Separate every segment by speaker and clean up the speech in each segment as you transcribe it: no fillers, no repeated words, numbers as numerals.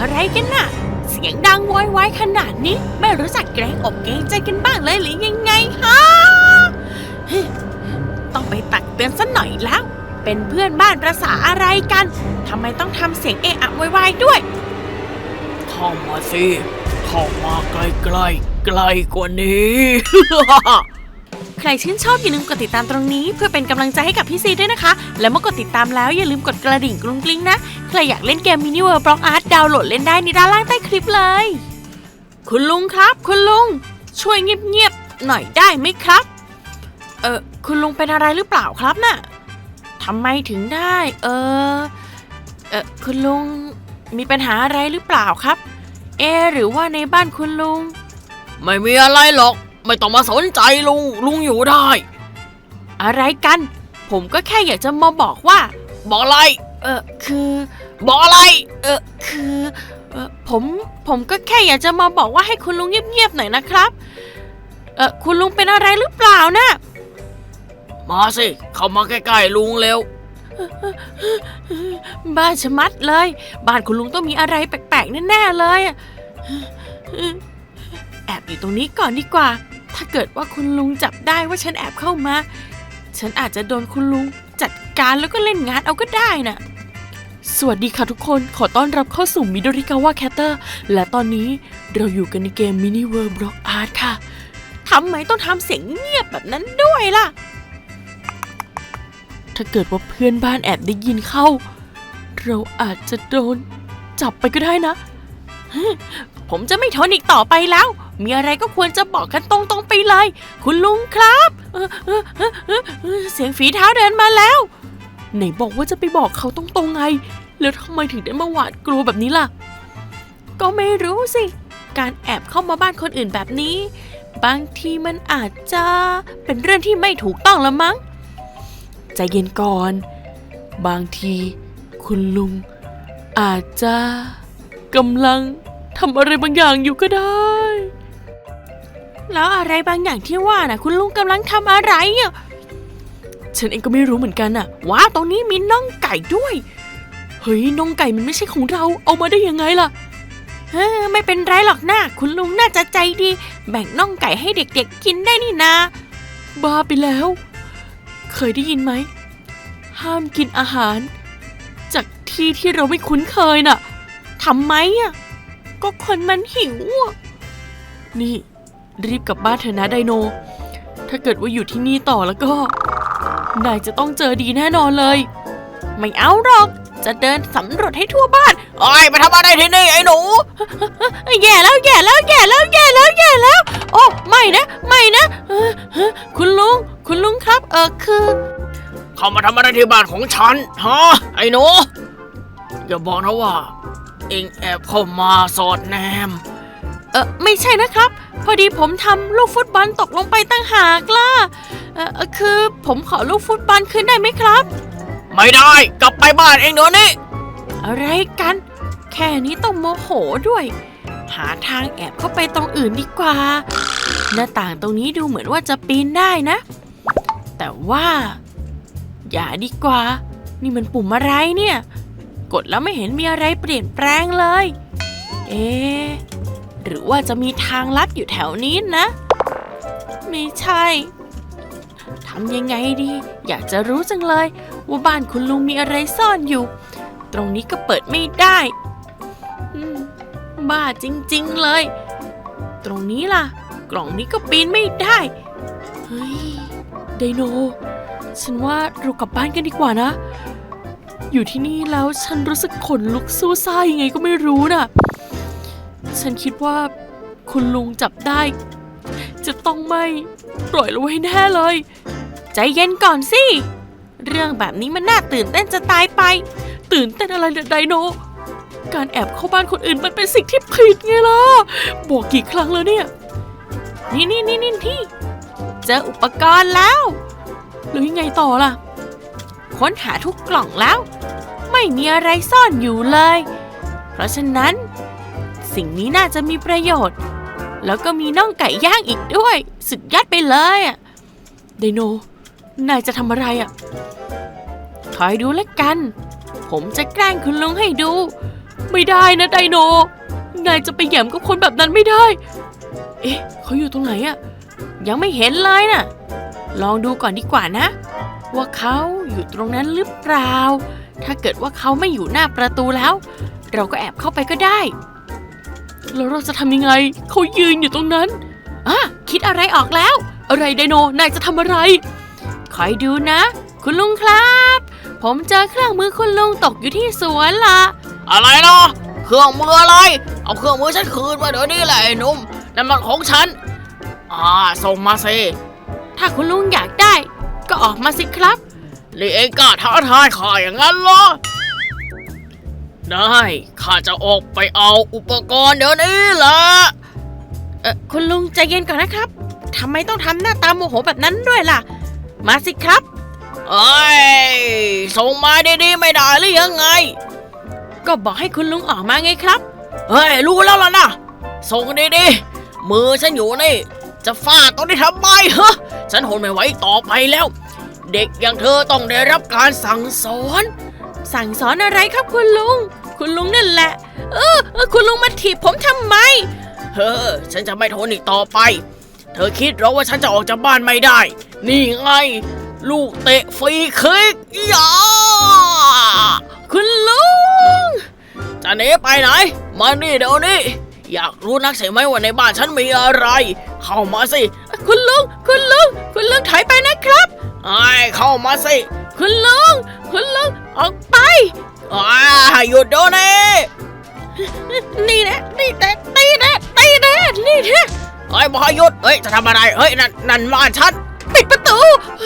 Speaker 1: อะไรกันน่ะเสียงดังโวยวายขนาดนี้ไม่รู้จักเกรงอกเกรงใจกันบ้างเลยหรือยังไงฮะต้องไปตักเตือนซะหน่อยแล้วเป็นเพื่อนบ้านประสาอะไรกันทำไมต้องทำเสียงเอะอะโวยวายด้วย
Speaker 2: เข้ามาสิเข้ามาใกล้ๆใกล้กว่านี้
Speaker 1: ใครชื่นชอบอย่าลืมกดติดตามตรงนี้เพื่อเป็นกำลังใจให้กับพี่ซีด้วยนะคะและเมื่อกดติดตามแล้วอย่าลืมกดกระดิ่งกรุ้งกริ้งนะใครอยากเล่นเกมมินิเวิร์บล็อกอาร์ตดาวน์โหลดเล่นได้ในด้านล่างใต้คลิปเลยคุณลุงครับคุณลุงช่วยเงียบๆหน่อยได้ไหมครับคุณลุงเป็นอะไรหรือเปล่าครับน่ะทำไมถึงได้คุณลุงมีปัญหาอะไรหรือเปล่าครับหรือว่าในบ้านคุณลุง
Speaker 2: ไม่มีอะไรหรอกไม่ต้องมาสนใจลุงอยู่ได้
Speaker 1: อะไรกันผมก็แค่อยากจะมาบอกว่า
Speaker 2: บอกอะไร
Speaker 1: คือ
Speaker 2: บอกอะไร
Speaker 1: คือผมก็แค่อยากจะมาบอกว่าให้คุณลุงเงียบๆหน่อยนะครับคุณลุงเป็นอะไรหรือเปล่านะ
Speaker 2: มาสิเข้ามาใกล้ๆลุงเร็ว
Speaker 1: บ้าชะมัดเลยบ้านคุณลุงต้องมีอะไรแปลกๆแน่ๆเลยแอบอยู่ตรงนี้ก่อนดีกว่าถ้าเกิดว่าคุณลุงจับได้ว่าฉันแอบเข้ามาฉันอาจจะโดนคุณลุงจัดการแล้วก็เล่นงานเอาก็ได้น่ะสวัสดีค่ะทุกคนขอต้อนรับเข้าสู่มิโดริกาวะแคตเตอร์และตอนนี้เราอยู่กันในเกมมินิเวิร์บล็อกอาร์ตค่ะทำไมต้องทำเสียงเงียบแบบนั้นด้วยล่ะถ้าเกิดว่าเพื่อนบ้านแอบได้ยินเข้าเราอาจจะโดนจับไปก็ได้นะผมจะไม่ทนอีกต่อไปแล้วมีอะไรก็ควรจะบอกกันตรงๆไปเลยคุณลุงครับเสียงฝีเท้าเดินมาแล้วไหนบอกว่าจะไปบอกเขาตรงๆไงแล้วทำไมถึงได้มาหวาดกลัวแบบนี้ล่ะก็ไม่รู้สิการแอบเข้ามาบ้านคนอื่นแบบนี้บางทีมันอาจจะเป็นเรื่องที่ไม่ถูกต้องละมั้งใจเย็นก่อนบางทีคุณลุงอาจจะกำลังทำอะไรบางอย่างอยู่ก็ได้แล้วอะไรบางอย่างที่ว่าน่ะคุณลุงกำลังทำอะไรอ่ะฉันเองก็ไม่รู้เหมือนกันน่ะว้าตรงนี้มีน่องไก่ด้วยเฮ้ยน่องไก่มันไม่ใช่ของเราเอามาได้ยังไงล่ะไม่เป็นไรหรอกนะคุณลุงน่าจะใจดีแบ่งน่องไก่ให้เด็กๆกินได้นี่นาบ้าไปแล้วเคยได้ยินไหมห้ามกินอาหารจากที่เราไม่คุ้นเคยน่ะทำไมอ่ะก็คนมันหิวนี่รีบกลับบ้านเถอะนะไดโนถ้าเกิดว่าอยู่ที่นี่ต่อแล้วก็นายจะต้องเจอดีแน่นอนเลยไม่เอาหรอกจะเดินสำรวจให้ทั่วบ้าน
Speaker 2: โอ้ยมาทำอะไรที่นี่ไอ้หนู
Speaker 1: แย่แล้วโอ้ไม่นะคุณลุงครับคือ
Speaker 2: เข้ามาทำอะไรที่บ้านของฉันฮะไอ้หนูอย่าบอกนะว่าเอ็งแอบเข้ามาสอดแนม
Speaker 1: ไม่ใช่นะครับพอดีผมทำลูกฟุตบอลตกลงไปตั้งหากล่ะคือผมขอลูกฟุตบอลคืนได้ไหมครับ
Speaker 2: ไม่ได้กลับไปบ้านเองเดี๋ยวนี้
Speaker 1: อะไรกันแค่นี้ต้องโมโหด้วยหาทางแอบเข้าไปตรงอื่นดีกว่าหน้าต่างตรงนี้ดูเหมือนว่าจะปีนได้นะแต่ว่าอย่าดีกว่านี่มันปุ่มอะไรเนี่ยกดแล้วไม่เห็นมีอะไรเปลี่ยนแปลงเลยหรือว่าจะมีทางลัดอยู่แถวนี้นะไม่ใช่ทำยังไงดีอยากจะรู้จังเลยว่าบ้านคุณลุงมีอะไรซ่อนอยู่ตรงนี้ก็เปิดไม่ได้บ้าจริงๆเลยตรงนี้ล่ะกล่องนี้ก็ปีนไม่ได้เฮ้ยไดโนฉันว่าเรากลับบ้านกันดีกว่านะอยู่ที่นี่แล้วฉันรู้สึกขนลุกสู้ซ่ายังไงก็ไม่รู้น่ะฉันคิดว่าคุณลุงจับได้จะต้องไม่ปล่อยเราไว้แน่เลยใจเย็นก่อนสิเรื่องแบบนี้มันน่าตื่นเต้นจะตายไปตื่นเต้นอะไรเนี่ยไดโนการแอบเข้าบ้านคนอื่นมันเป็นสิ่งที่ผิดไงล่ะบอกกี่ครั้งแล้วเนี่ยนี่ที่เจออุปกรณ์แล้วหรือยังไงต่อล่ะค้นหาทุกกล่องแล้วไม่มีอะไรซ่อนอยู่เลยเพราะฉะนั้นสิ่งนี้น่าจะมีประโยชน์แล้วก็มีน่องไก่ย่างอีกด้วยสุดยอดไปเลยอ่ะไดโนนายจะทำอะไรอ่ะคอยดูแล้วกันผมจะแกล้งคุณลุงให้ดูไม่ได้นะไดโนนายจะไปแหย่มกับคนแบบนั้นไม่ได้เอ๊ะเขาอยู่ตรงไหนอะยังไม่เห็นเลยน่ะลองดูก่อนดีกว่านะว่าเขาอยู่ตรงนั้นหรือเปล่าถ้าเกิดว่าเขาไม่อยู่หน้าประตูแล้วเราก็แอบเข้าไปก็ได้แล้วเราจะทำยังไงเขายืนอยู่ตรงนั้นคิดอะไรออกแล้วอะไรไดโนนายจะทำอะไรคอยดูนะคุณลุงครับผมเจอเครื่องมือคุณลุงตกอยู่ที่สวนล่ะ
Speaker 2: อะไรเนาะเครื่องมืออะไรเอาเครื่องมือฉันคืนมาเดี๋ยวนี้แหละไอ้หนุ่มนั่นมันของฉันส่งมาสิ
Speaker 1: ถ้าคุณลุงอยากได้ก็ออกมาสิครับ
Speaker 2: นี่เองกล้าท้าทายข้าอย่างนั้นเหรอได้ข้าจะออกไปเอาอุปกรณ์เดี๋ยวนี้แหละ
Speaker 1: คุณลุงใจเย็นก่อนนะครับทำไมต้องทำหน้าตาโมโหแบบนั้นด้วยล่ะมาสิครับ
Speaker 2: ส่งมาดีๆไม่ได้หรือยังไง
Speaker 1: ก็บอกให้คุณลุงออกมาไงครับ
Speaker 2: รู้แล้วล่ะนะส่งดีๆมือฉันอยู่นี่จะฟาดตรงนี้ทำไมฉันทนไม่ไหวต่อไปแล้วเด็กอย่างเธอต้องได้รับการสั่งสอน
Speaker 1: อะไรครับคุณลุงนั่นแหละคุณลุงมาถีบผมทำไม
Speaker 2: ฉันจะไม่ทนอีกต่อไปเธอคิดหรอว่าฉันจะออกจากบ้านไม่ได้นี่ไงลูกเตะฟรีคิก
Speaker 1: คุณลุง
Speaker 2: จะหนีไปไหนมานี่เดี๋ยวนี้อยากรู้นักใช่ไหมว่าในบ้านฉันมีอะไรเข้ามาสิ
Speaker 1: คุณลุงถอยไปนะครับ
Speaker 2: เข้ามาสิ
Speaker 1: คุณลุงออกไป
Speaker 2: หยุดเดี๋ยวนี้
Speaker 1: นี่แน่นี่แน่
Speaker 2: บอยหยุดจะทำอะไรนั่นบ้านฉัน
Speaker 1: ปิดประตู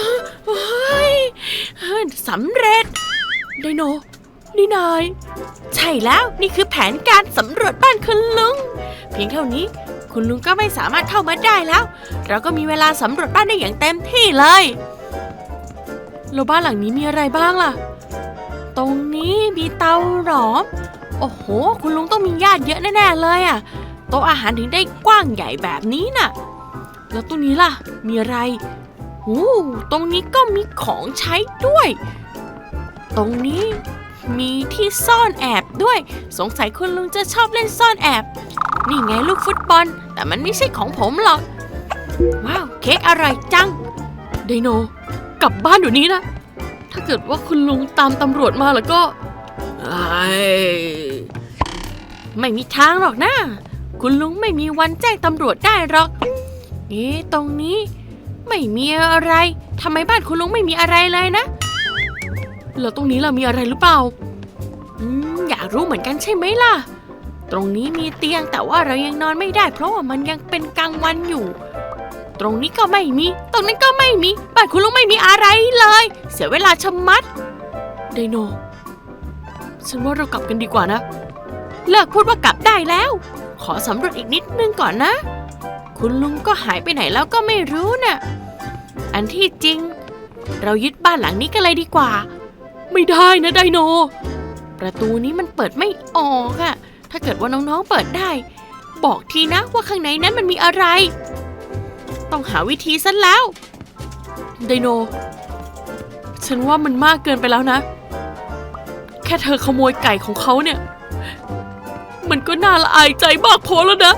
Speaker 1: สำเร็จไดโนนี่นายใช่แล้วนี่คือแผนการสำรวจบ้านคุณลุงเพียงเท่านี้คุณลุงก็ไม่สามารถเข้ามาได้แล้วเราก็มีเวลาสำรวจบ้านได้อย่างเต็มที่เลยแล้วบ้านหลังนี้มีอะไรบ้างล่ะตรงนี้มีเตาหลอมโอ้โหคุณลุงต้องมีญาติเยอะแน่ๆเลยอ่ะโต๊ะอาหารถึงได้กว้างใหญ่แบบนี้น่ะแล้วตรงนี้ล่ะมีอะไรตรงนี้ก็มีของใช้ด้วยตรงนี้มีที่ซ่อนแอบด้วยสงสัยคุณลุงจะชอบเล่นซ่อนแอบนี่ไงลูกฟุตบอลแต่มันไม่ใช่ของผมหรอกว้าวเค้กอร่อยจังไดโนกลับบ้านเดี๋ยวนี้นะถ้าเกิดว่าคุณลุงตามตำรวจมาแล้วก็ไม่มีทางหรอกนะคุณลุงไม่มีวันแจ้งตำรวจได้หรอกตรงนี้ไม่มีอะไรทำไมบ้านคุณลุงไม่มีอะไรเลยนะแล้วตรงนี้เรามีอะไรหรือเปล่าอยากรู้เหมือนกันใช่ไหมล่ะตรงนี้มีเตียงแต่ว่าเรายังนอนไม่ได้เพราะว่ามันยังเป็นกลางวันอยู่ตรงนี้ก็ไม่มีตรงนั้นก็ไม่มีบ้านคุณลุงไม่มีอะไรเลยเสียเวลาชะมัดไดโนฉันว่าเรากลับกันดีกว่านะเลิกพูดว่ากลับได้แล้วขอสำรวจอีกนิดนึงก่อนนะคุณลุงก็หายไปไหนแล้วก็ไม่รู้น่ะอันที่จริงเรายึดบ้านหลังนี้กันเลยดีกว่าไม่ได้นะไดโนประตูนี้มันเปิดไม่ออกอะถ้าเกิดว่าน้องๆเปิดได้บอกทีนะว่าข้างในนั้นมันมีอะไรต้องหาวิธีซะแล้วไดโนฉันว่ามันมากเกินไปแล้วนะแค่เธอขโมยไก่ของเขาเนี่ยมันก็น่าละอายใจมากพอแล้วนะ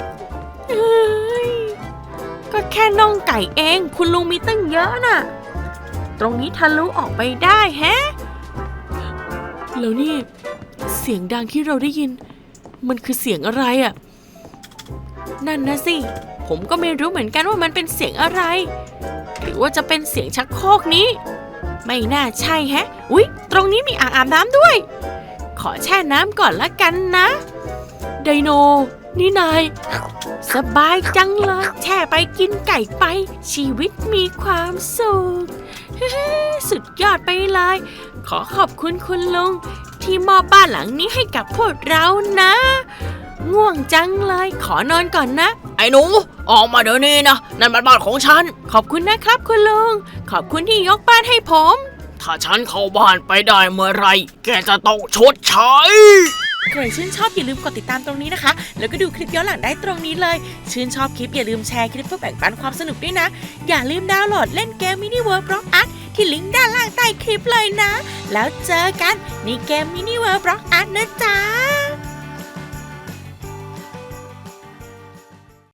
Speaker 1: ก็แค่น่องไก่เองคุณลุงมีตั้งเยอะน่ะตรงนี้ทะลุออกไปได้แฮะแล้วนี่เสียงดังที่เราได้ยินมันคือเสียงอะไรอ่ะนั่นนะสิผมก็ไม่รู้เหมือนกันว่ามันเป็นเสียงอะไรหรือว่าจะเป็นเสียงชักโครกนี้ไม่น่าใช่แฮะอุ๊ยตรงนี้มีอ่างอาบน้ำด้วยขอแช่น้ำก่อนละกันนะไดโนนี่นายสบายจังเลยแช่ไปกินไก่ไปชีวิตมีความสุขสุดยอดไปเลยขอขอบคุณคุณลุงที่มอบบ้านหลังนี้ให้กับพวกเรานะง่วงจังเลยขอนอนก่อนนะ
Speaker 2: ไอ้หนูออกมาเดี๋ยวนี้นะนั่นมันบ้านของฉัน
Speaker 1: ขอบคุณนะครับคุณลุงขอบคุณที่ยกบ้านให้ผม
Speaker 2: ถ้าฉันเข้าบ้านไปได้เมื่อไรแกจะต้องชดใช้
Speaker 1: ใครชื่นชอบอย่าลืมกดติดตามตรงนี้นะคะแล้วก็ดูคลิปย้อนหลังได้ตรงนี้เลยชื่นชอบคลิปอย่าลืมแชร์คลิปเพื่อแบ่งปันความสนุกด้วยนะอย่าลืมดาวน์โหลดเล่นเกม Mini World Block Art ที่ลิงก์ด้านล่างใต้คลิปเลยนะแล้วเจอกันในเกม Mini World Block Art นะจ๊ะ